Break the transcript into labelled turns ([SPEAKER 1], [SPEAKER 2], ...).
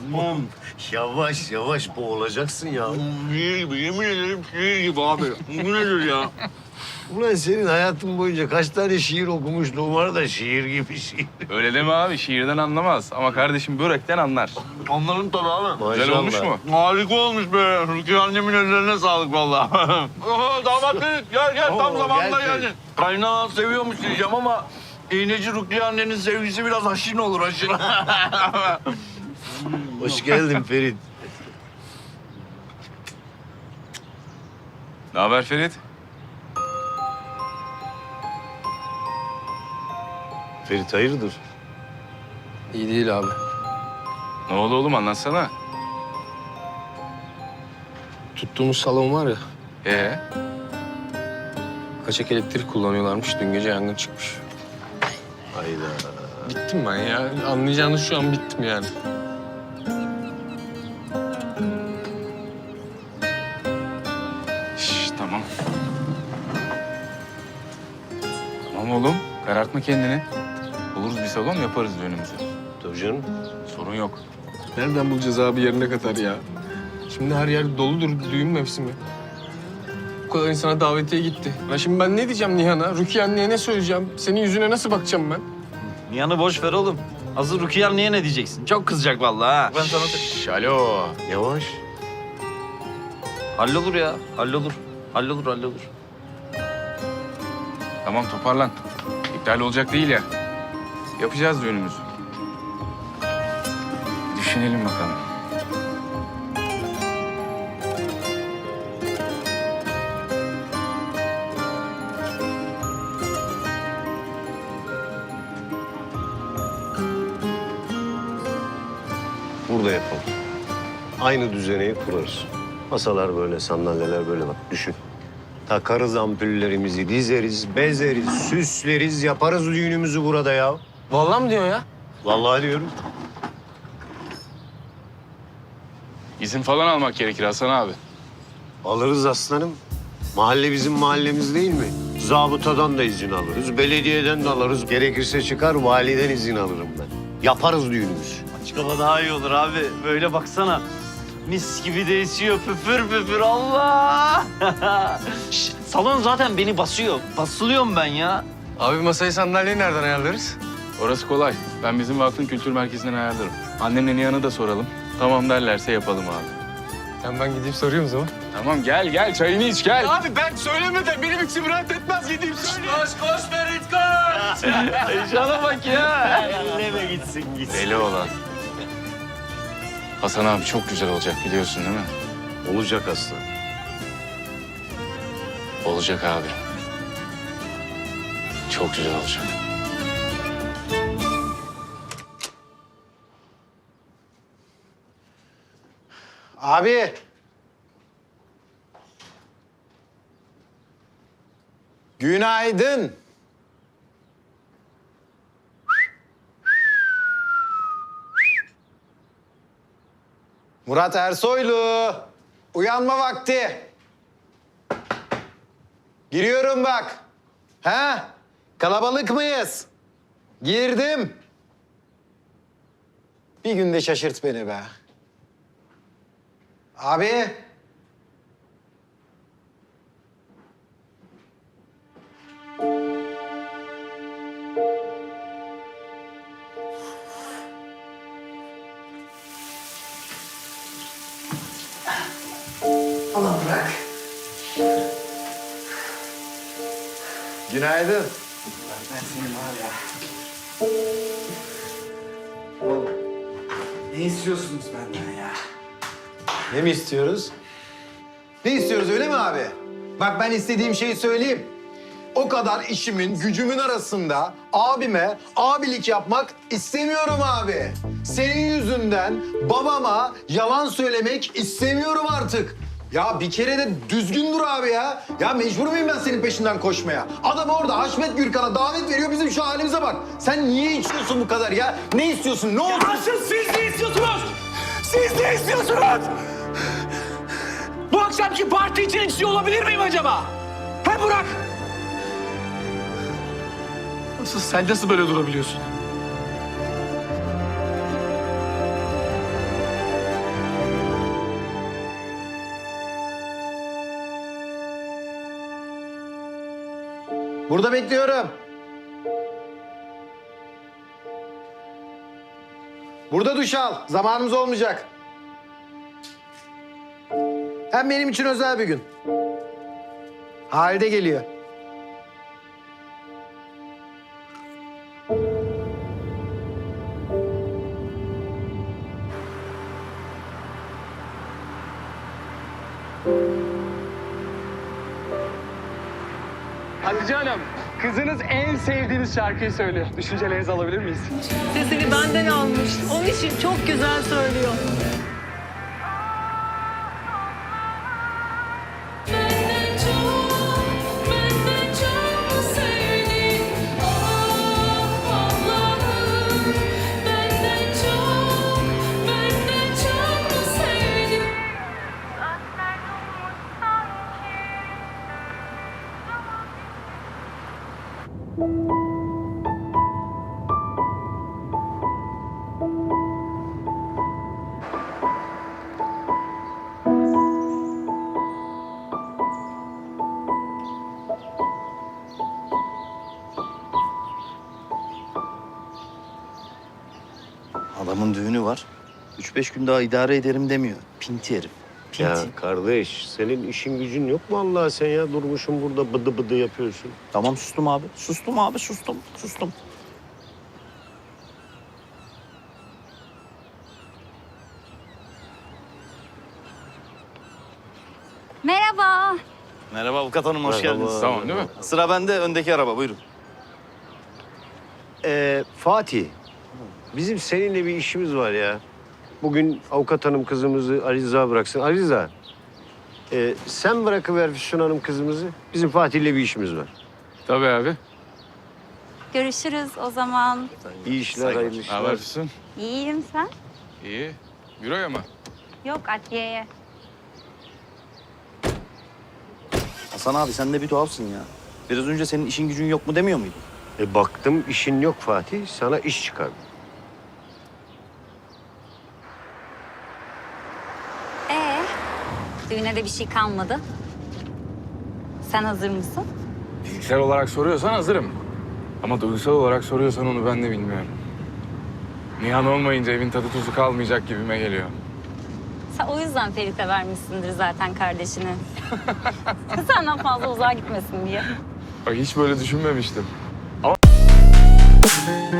[SPEAKER 1] Yavaş yavaş boğulacaksın ya.
[SPEAKER 2] Şiir gibi, yemin ederim şiir gibi abi. Bu nedir ya?
[SPEAKER 1] Ulan senin hayatın boyunca kaç tane şiir okumuşluğun var da şiir gibi şiir.
[SPEAKER 3] Öyle deme abi, şiirden anlamaz. Ama kardeşim börekten anlar.
[SPEAKER 2] Anlarım tabii abi.
[SPEAKER 3] Güzel olmuş mu?
[SPEAKER 2] Harika olmuş be. Rukiye annemin ellerine sağlık vallahi. Damat Ferit gel tam
[SPEAKER 1] Oo,
[SPEAKER 2] zamanında
[SPEAKER 1] gel Ferit.
[SPEAKER 2] geldin. Kaynağı seviyormuş diyeceğim ama iğneci Rukiye annenin sevgisi biraz aşin olur aşin.
[SPEAKER 1] Hoş geldin Ferit.
[SPEAKER 3] Ne haber Ferit?
[SPEAKER 1] Ferit hayırdır?
[SPEAKER 4] İyi değil abi.
[SPEAKER 3] Ne oldu oğlum, anlatsana.
[SPEAKER 4] Tuttuğumuz salon var ya,
[SPEAKER 3] Ee?
[SPEAKER 4] kaçak elektrik kullanıyorlarmış. Dün gece yangın çıkmış.
[SPEAKER 1] Hayda.
[SPEAKER 4] Bittim ben ya. Anlayacağınız şu an bittim yani.
[SPEAKER 3] Şş, tamam. Tamam oğlum, karartma kendini. Buluruz bir salon, yaparız düğünümüzü.
[SPEAKER 1] Tabii canım.
[SPEAKER 3] Sorun yok.
[SPEAKER 4] Nereden bulacağız abi yerine kadar ya? Şimdi her yer doludur düğün mevsimi. Bu kadar insana davetiye gitti. Ya şimdi ben ne diyeceğim Nihan'a? Rukiye anneye ne söyleyeceğim? Senin yüzüne nasıl bakacağım ben?
[SPEAKER 5] Nihan'ı boş ver oğlum. Hazır Rukiye anneye ne diyeceksin? Çok kızacak vallahi ha. Ben sana...
[SPEAKER 3] Şş, alo.
[SPEAKER 1] Yavaş.
[SPEAKER 5] Hallolur ya. Hallolur. Hallolur.
[SPEAKER 3] Tamam, toparlan. İptal olacak değil ya. Yapacağız düğünümüzü. Düşünelim bakalım.
[SPEAKER 1] Burada yapalım. Aynı düzeneyi kurarız. Masalar böyle, sandalyeler böyle bak düşün. Takarız ampullerimizi, dizeriz, bezeriz, süsleriz, yaparız düğünümüzü burada ya.
[SPEAKER 4] Vallahi mı diyorsun ya?
[SPEAKER 1] Vallahi diyorum.
[SPEAKER 3] İzin falan almak gerekir Hasan abi.
[SPEAKER 1] Alırız aslanım. Mahalle bizim mahallemiz değil mi? Zabıtadan da izin alırız, belediyeden de alırız. Gerekirse çıkar, validen izin alırım ben. Yaparız düğünümüzü.
[SPEAKER 5] Açık hava daha iyi olur abi. Böyle baksana. Mis gibi de esiyor. Püfür püfür Allah. Şş, salon zaten beni basıyor. Basılıyorum ben ya.
[SPEAKER 4] Abi masayı sandalyeyi nereden ayarlarız?
[SPEAKER 3] Orası kolay. Ben bizim vakfın kültür merkezinden ayarlarım. Annemle Nihan'ı da soralım. Tamam derlerse yapalım abi.
[SPEAKER 4] Sen ben gideyim sorayım o zaman.
[SPEAKER 3] Tamam gel çayını iç gel.
[SPEAKER 4] Abi ben söylemeden benim içim rahat etmez. Gideyim söyleyeyim.
[SPEAKER 5] Koş Ferit koş. Heyecana bak ya.
[SPEAKER 1] Elleme gitsin.
[SPEAKER 3] Deli olan. Hasan abi çok güzel olacak biliyorsun değil mi?
[SPEAKER 1] Olacak aslan.
[SPEAKER 3] Olacak abi. Çok güzel olacak.
[SPEAKER 6] Abi. Günaydın. Murat Ersoylu. Uyanma vakti. Giriyorum bak. Ha? Kalabalık mıyız? Girdim. Bir günde şaşırt beni be. Abi. Allah bırak. Günaydın.
[SPEAKER 7] Ben senin var ya. Oğlum, ne istiyorsunuz benden ya?
[SPEAKER 6] Ne mi istiyoruz? Ne istiyoruz öyle mi abi? Bak ben istediğim şeyi söyleyeyim. O kadar işimin, gücümün arasında abime abilik yapmak istemiyorum abi. Senin yüzünden babama yalan söylemek istemiyorum artık. Ya bir kere de düzgün dur abi ya. Ya mecbur muyum ben senin peşinden koşmaya? Adam orada Haşmet Gürkan'a davet veriyor, bizim şu halimize bak. Sen niye içiyorsun bu kadar ya? Ne istiyorsun? Ne oldu?
[SPEAKER 7] Asıl siz ne istiyorsunuz? Siz ne istiyorsunuz? Bu akşamki parti için istiyor olabilir miyim acaba? He Burak?
[SPEAKER 4] Sen nasıl böyle durabiliyorsun?
[SPEAKER 6] Burada bekliyorum. Burada duş al. Zamanımız olmayacak. Hem benim için özel bir gün. Halide geliyor.
[SPEAKER 4] Hatice Hanım, kızınız en sevdiğiniz şarkıyı söylüyor. Düşüncelerinizi alabilir miyiz?
[SPEAKER 8] Sesini benden almış. Onun için çok güzel söylüyor.
[SPEAKER 9] Benden çok sevdin. Ah Allah'ım. Benden çok sevdin.
[SPEAKER 5] Adamın düğünü var. 3-5 gün daha idare ederim demiyor. Pinti herif. Pinti.
[SPEAKER 1] Ya kardeş senin işin gücün yok mu Allah sen ya? Durmuşsun burada bıdı bıdı yapıyorsun.
[SPEAKER 5] Tamam sustum abi. Sustum abi sustum. Sustum.
[SPEAKER 10] Merhaba.
[SPEAKER 5] Merhaba avukat hanım hoş
[SPEAKER 1] Merhaba.
[SPEAKER 5] geldiniz.
[SPEAKER 3] Tamam değil mi?
[SPEAKER 5] Sıra bende öndeki araba buyurun.
[SPEAKER 1] Fatih, bizim seninle bir işimiz var ya. Bugün avukat hanım kızımızı Ali Rıza bıraksın. Ali Rıza, sen bırakıver Füsun Hanım kızımızı. Bizim Fatih'le bir işimiz var.
[SPEAKER 3] Tabii abi.
[SPEAKER 10] Görüşürüz o zaman.
[SPEAKER 1] İyi işler,
[SPEAKER 5] Saygılar.
[SPEAKER 1] hayırlı
[SPEAKER 3] Ne
[SPEAKER 1] işler.
[SPEAKER 3] haber Füsun?
[SPEAKER 10] İyiyim sen?
[SPEAKER 3] İyi. Büroya mı?
[SPEAKER 10] Yok adliyeye.
[SPEAKER 5] Hasan abi sen de bir tuhafsın ya. Biraz önce senin işin gücün yok mu demiyor muydun?
[SPEAKER 1] Baktım işin yok Fatih, sana iş çıkardım.
[SPEAKER 10] Düğüne de bir şey kalmadı. Sen hazır mısın?
[SPEAKER 3] Fiziksel olarak soruyorsan hazırım. Ama duygusal olarak soruyorsan onu ben de bilmiyorum. Nihan olmayınca evin tadı tuzu kalmayacak gibime geliyor.
[SPEAKER 10] Sen o yüzden Ferit'e vermişsindir zaten kardeşini. Senden fazla uzağa gitmesin diye.
[SPEAKER 3] Bak hiç böyle düşünmemiştim. Ama